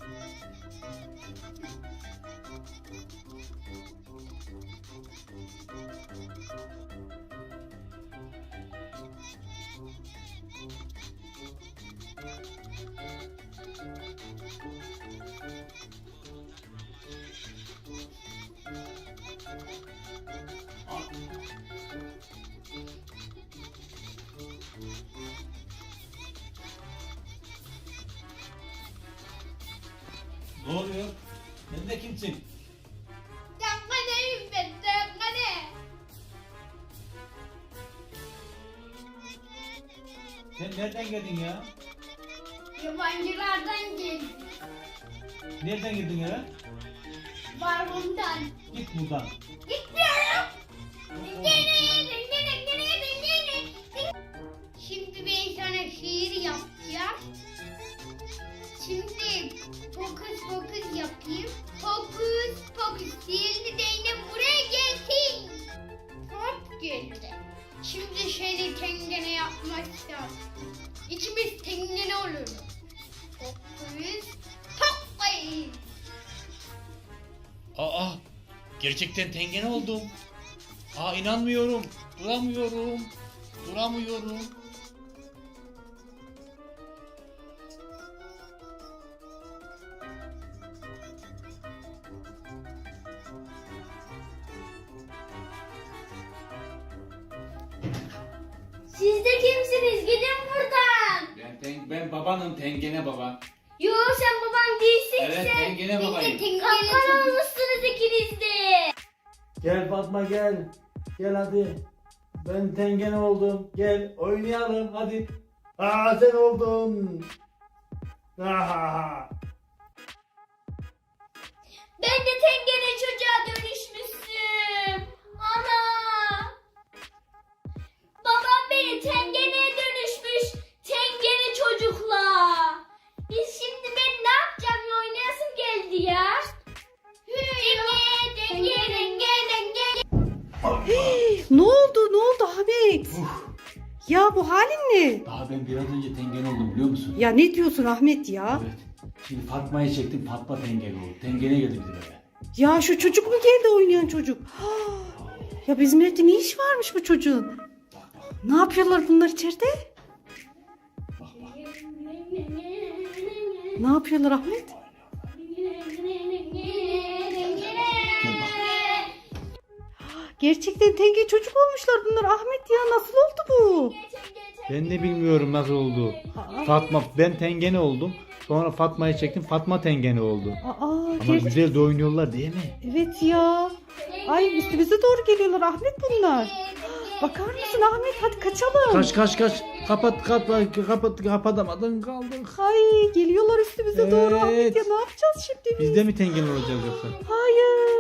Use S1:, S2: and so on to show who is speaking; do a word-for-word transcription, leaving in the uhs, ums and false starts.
S1: Ne oluyor? Sen de kimsin?
S2: Dengane ben dengane.
S1: Sen nereden geldin ya?
S2: Yabancılardan geldim.
S1: Nereden girdin eve?
S2: Barbundan.
S1: Git buradan.
S2: Gitmiyorum. Dengane, dengane, dengane, dengane. Şimdi ben sana şiir yapacağım. Şimdi fokus fokus yapayım. Fokus fokus. Sihirli değnek buraya gelsin. Hop geldi. Şimdi şöyle tengene yapmak lazım. İkimiz tengene oluruz. Fokus fokus.
S1: Aa, gerçekten tengene oldum. Aa, inanmıyorum. Duramıyorum. Duramıyorum.
S2: Siz de kimsiniz? Gidin buradan.
S1: Ben, ten, ben babanım, tengene baba.
S2: Yo sen baban değilsin
S1: Evet,
S2: sen.
S1: tengene babayım.
S2: Kapkan olmuşsunuz ikiniz de.
S3: Gel Fatma gel. Gel hadi. Ben tengene oldum. Gel oynayalım hadi. Aa sen oldun. Aha.
S2: Ben de tengene çocuğa dönüşmüşüm. Ana. Babam beni tengeneye dönüşmüş. Tengene çocukla. Biz şimdi ben ne yapacağım ya, oynayasım geldi ya. Tenge, tenge, tenge, tenge.
S4: Ne oldu? Ne oldu Ahmet? Ya bu halin ne?
S1: Daha ben biraz önce tengene oldum, biliyor musun?
S4: Ya ne diyorsun Ahmet ya?
S1: Evet. Şimdi Fatma'yı çektim, Fatma tengene oldu. Tengene geldi bizim eve.
S4: Ya şu çocuk mu geldi, oynayan çocuk? Ya bizim evde ne iş varmış bu çocuğun?
S1: Bak bak,
S4: Ne yapıyorlar bunlar içeride?
S1: bak bak.
S4: Ne yapıyorlar Ahmet? Gerçekten tenge çocuk olmuşlar bunlar Ahmet ya, nasıl oldu bu?
S3: Ben de bilmiyorum nasıl oldu.
S4: Aa,
S3: Fatma ben tengene oldum. Sonra Fatma'yı çektim. Fatma tengene oldu.
S4: aa,
S3: Ama
S4: ger-
S3: güzel de oynuyorlar değil mi?
S4: evet ya. Ay üstümüze doğru geliyorlar Ahmet bunlar. Bakar mısın Ahmet, hadi kaçalım.
S3: Kaç kaç kaç. Kapat kapat kapat kapatamadın kaldık.
S4: Ay geliyorlar üstümüze doğru Ahmet
S3: Evet.
S4: ya, ne yapacağız şimdi biz?
S3: Biz de mi tengene olacağız yoksa?
S4: Hayır.